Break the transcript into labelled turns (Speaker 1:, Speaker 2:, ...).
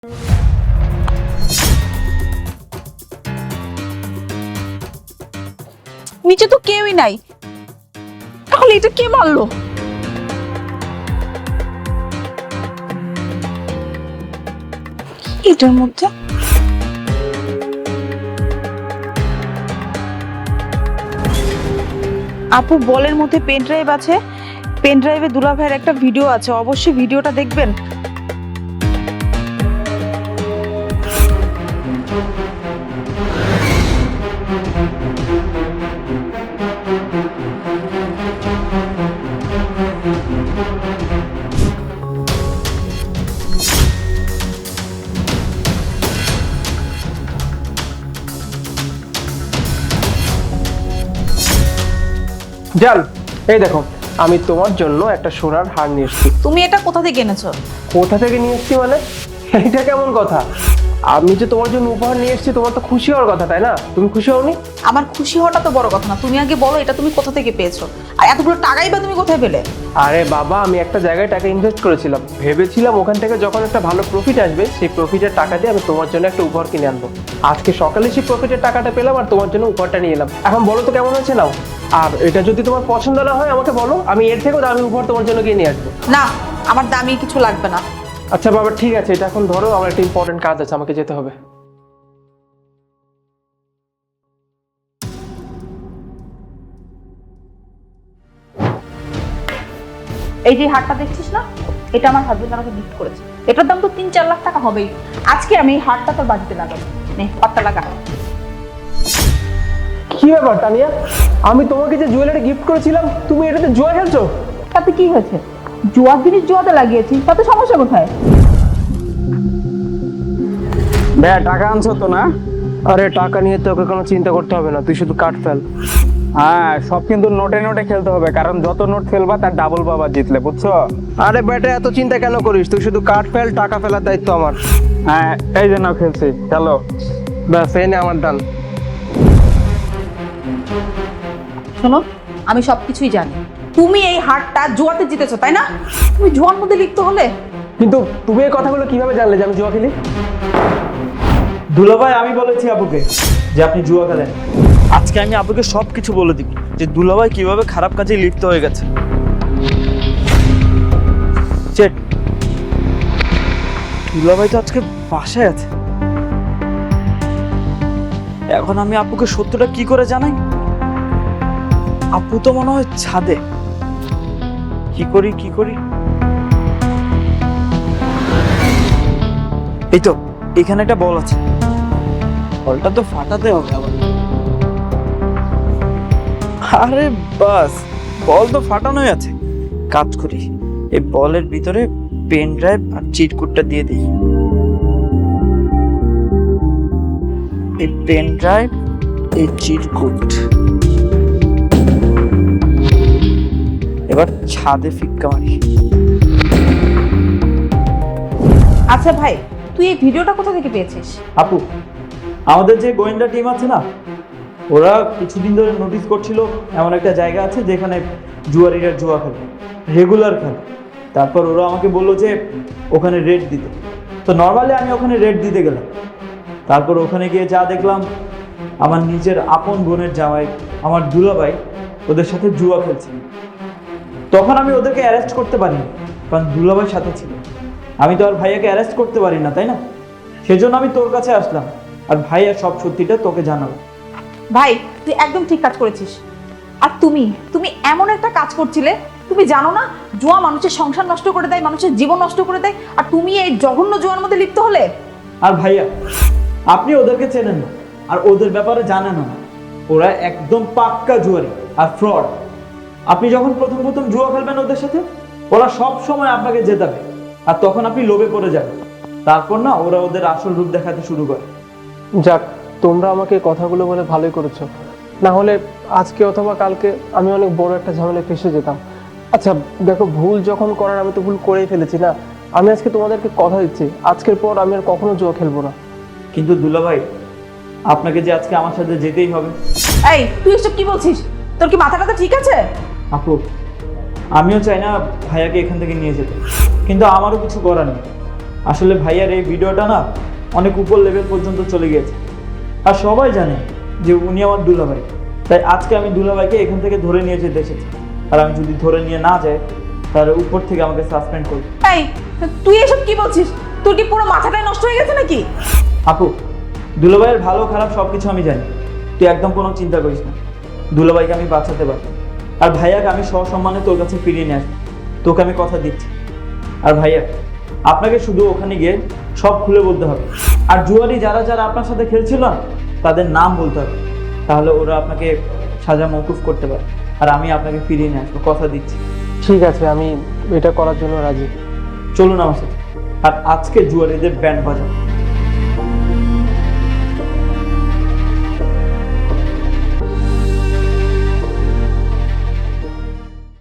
Speaker 1: নিচে তো কেউই নাই, তাহলে এটা কে মারলো? এটার মধ্যে আপু বলের মধ্যে পেন ড্রাইভ আছে, পেন ড্রাইভে দুলা ভাইয়ের একটা ভিডিও আছে, অবশ্যই ভিডিওটা দেখবেন।
Speaker 2: জান, এই দেখো আমি তোমার জন্য একটা সোনার হার নিয়ে এসেছি।
Speaker 1: তুমি এটা কোথা থেকে এনেছো?
Speaker 2: কোথা থেকে নিয়ে এসেছি মানে? এটা কেমন কথা? আমি যে তোমার জন্য উপহার নিয়ে এসেছি, তোমার তো খুশি হওয়ার কথা, তাই না? তুমি খুশি হওনি?
Speaker 1: আমার খুশি হওয়াটা তো বড় কথা না, তুমি আগে বলো এটা তুমি কোথা থেকে পেয়েছো, আর এতগুলো টাকাই বা তুমি কোথায় পেলে?
Speaker 2: আরে বাবা, আমি একটা জায়গায় টাকা ইনভেস্ট করেছিলাম, ভেবেছিলাম ওখান থেকে যখন একটা ভালো প্রফিট আসবে, সেই প্রফিটের টাকা দিয়ে আমি তোমার জন্য একটা উপহার কিনে আনবো। আজকে সকালে সেই প্রফিটের টাকাটা পেলাম আর তোমার জন্য উপহারটা নিয়ে এলাম। এখন বলো তো কেমন হয়েছে, নাও। আর এটা যদি তোমার পছন্দ না হয় আমাকে বলো, আমি এর থেকেও দামি উপহার তোমার জন্য কিনে নিয়ে আসবো।
Speaker 1: না, আমার দামি কিছু লাগবে না।
Speaker 2: আচ্ছা বাবা, ঠিক আছে, এটা এখন ধরো, আমার একটা ইম্পর্টেন্ট কাজ আছে, আমাকে যেতে হবে।
Speaker 1: এই যে হারটা দেখছিস না, এটা আমার হাজবেন্ড আমাকে গিফট করেছে। এটার দাম তো 3-4 লাখ টাকা হবেই। আজকে আমি এই হারটা তোর বাড়িতে লাগাবো, নে হারটা লাগা।
Speaker 2: কি ব্যাপার তানিয়া, আমি তোমাকে যে জুয়েলারি গিফট করেছিলাম, তুমি এটাতে জুয়া খেলছো?
Speaker 1: তাতে কি হয়েছে? জুয়ার জিনিস জুয়াতে লাগিয়েছি, তাতে সমস্যা কোথায়?
Speaker 3: ভাইয়া টাকা আনছো তো না?
Speaker 2: আরে টাকা নিয়ে তোকে কোনো চিন্তা করতে হবে না, তুই শুধু কাট ফেল।
Speaker 3: হ্যাঁ, সব কিন্তু নোটে নোটে খেলতে হবে, কারণ যত নোট ফেলবা তার ডাবল পাবা জিতলে, বুঝছো?
Speaker 2: আরে বেটা, এত চিন্তা কেন করিস? তুই শুধু কাট ফেল, টাকা ফেলার দায়িত্ব আমার।
Speaker 3: হ্যাঁ, এই জন্য খেলছি, চলো।
Speaker 2: ব্যাস, এই নে আমার দান।
Speaker 1: শোনো, আমি সবকিছুই জানি। তুমি এই হারটা জুয়াতে জিতেছো, তাই না? তুমি জুয়ার মধ্যে লিপ্ত হলে।
Speaker 2: কিন্তু তুমি এই কথাগুলো কিভাবে জানলে যে আমি জুয়া খেলি?
Speaker 4: দুলাভাই, আমি বলেছি আপুকে যে আপনি জুয়া খেলেন। আজকে আমি আপুকে সব কিছু বলে দিব যে দুলাভাই কিভাবে খারাপ কাজে লিপ্ত হয়ে গেছে। চেট, দুলাভাই তো আজকে বাসায় আছে। এখন আমি আপুকে সত্যটা কি করে জানাই? আপু তো মনে হয় ছাদে। কি করি? এই তো, এখানে একটা বল আছে, বলটা তো ফাটাতে হবে আবার। আরে বাস, বল তো ফাটানোই আছে। কাজ করি, এই বলের ভিতরে পেন ড্রাইভ আর চিটকুটটা দিয়ে দিই। এই পেন ড্রাইভ, এই চিটকুট, এবার ছাদে ফিক্কা মারি।
Speaker 1: আচ্ছা ভাই, তুই এই ভিডিওটা কোথা থেকে পেয়েছিস?
Speaker 4: আপু, আমাদের যে গোয়েন্দা টিম আছে না, ওরা কিছুদিন ধরে নোটিস করছিল এমন একটা জায়গা আছে যেখানে জুয়ারিরা জুয়া খেলে, রেগুলার খেলে। তারপর ওরা আমাকে বললো যে ওখানে রেড দিতে। তো নর্মালি আমি ওখানে রেড দিতে গেলাম। তারপর ওখানে গিয়ে যা দেখলাম, আমার নিজের আপন বোনের জামাই, আমার দুলাভাই ওদের সাথে জুয়া খেলছে। তখন আমি ওদেরকে অ্যারেস্ট করতে পারিনি, কারণ দুলাভাই সাথে ছিল। আমি তো আর ভাইয়াকে অ্যারেস্ট করতে পারি না, তাই না? সেজন্য আমি তোর কাছে আসলাম, আর ভাইয়া সব সত্যিটা তোকে জানাবো।
Speaker 1: ভাই, তুই একদম ঠিক কাজ করেছিস। আর তুমি এমন একটা কাজ করছিলে, তুমি জানো না জুয়া মানুষের সংসার নষ্ট করে দেয়, মানুষের জীবন নষ্ট করে দেয়, আর তুমি এই জঘন্য জুয়ার মধ্যে লিপ্ত হলে।
Speaker 4: আর ভাইয়া, আপনি ওদেরকে চেনেন না আর ওদের ব্যাপারে জানেন না। ওরা একদম পাক্কা জুয়ারি আর ফ্রড। আপনি যখন প্রথম জুয়া খেলবেন ওদের সাথে, ওরা সব সময় আপনাকে জেতাবে, আর তখন আপনি লোভে পড়ে যাবেন। তারপর না ওরা ওদের আসল রূপ দেখাতে শুরু করে।
Speaker 2: যাক, তোমরা আমাকে এই কথাগুলো বলে ভালোই করেছো, না হলে আজকে অথবা কালকে আমি অনেক বড় একটা ঝামেলায় ফেঁসে যেতাম। আচ্ছা দেখো, ভুল যখন করার, আমি তো ভুল করেই ফেলেছি না। আমি আজকে তোমাদেরকে কথা দিচ্ছি, আজকের পর আমি আর কখনো জুয়া খেলবো না।
Speaker 4: কিন্তু দুলাভাই, আপনাকে যে আজকে আমার সাথে যেতেই হবে।
Speaker 1: এই তুই এসব কি বলছিস? তোর কি মাথা টাথা ঠিক আছে?
Speaker 4: আপু, আমিও চাই না ভাইয়াকে এখান থেকে নিয়ে যেতে, কিন্তু আমারও কিছু করার নেই। আসলে ভাইয়ার এই ভিডিওটা না অনেক উপর লেভেল পর্যন্ত চলে গিয়েছে, আর সবাই জানে যে উনি আমার দুলাভাই। তাই আজকে আমি দুলাভাইকে এখান থেকে ধরে নিয়ে যেতে এসেছি, আর আমি যদি ধরে নিয়ে না যাই তাহলে উপর থেকে আমাকে সাসপেন্ড করবে।
Speaker 1: এই তুই এসব কি বলছিস? তোর কি পুরো মাথাটাই নষ্ট হয়ে গেছে নাকি?
Speaker 4: আপু, দুলাভাইয়ের ভালো খারাপ সব কিছু আমি জানি, তুই একদম কোনো চিন্তা করিস না। দুলাভাইকে আমি বাঁচাতে পারবো, আর ভাইয়াকে আমি সসম্মানে তোর কাছে ফিরিয়ে নিয়ে আসবো, তোকে আমি কথা দিচ্ছি। আর ভাইয়া, আপনাকে শুধু ওখানে গিয়ে সব খুলে বলতে হবে, আর জুয়ারি যারা যারা আপনার সাথে খেলছিল না তাদের নাম বলতে হবে, তাহলে ওরা আপনাকে সাজা মওকুফ করতে পারে, আর আমি আপনাকে ফিরিয়ে নিয়ে আসবো, কথা দিচ্ছি।
Speaker 2: ঠিক আছে, আমি এটা করার জন্য রাজি।
Speaker 4: চলুন আমার সাথে, আর আজকে জুয়ারিদের ব্যান্ড বাজাবো।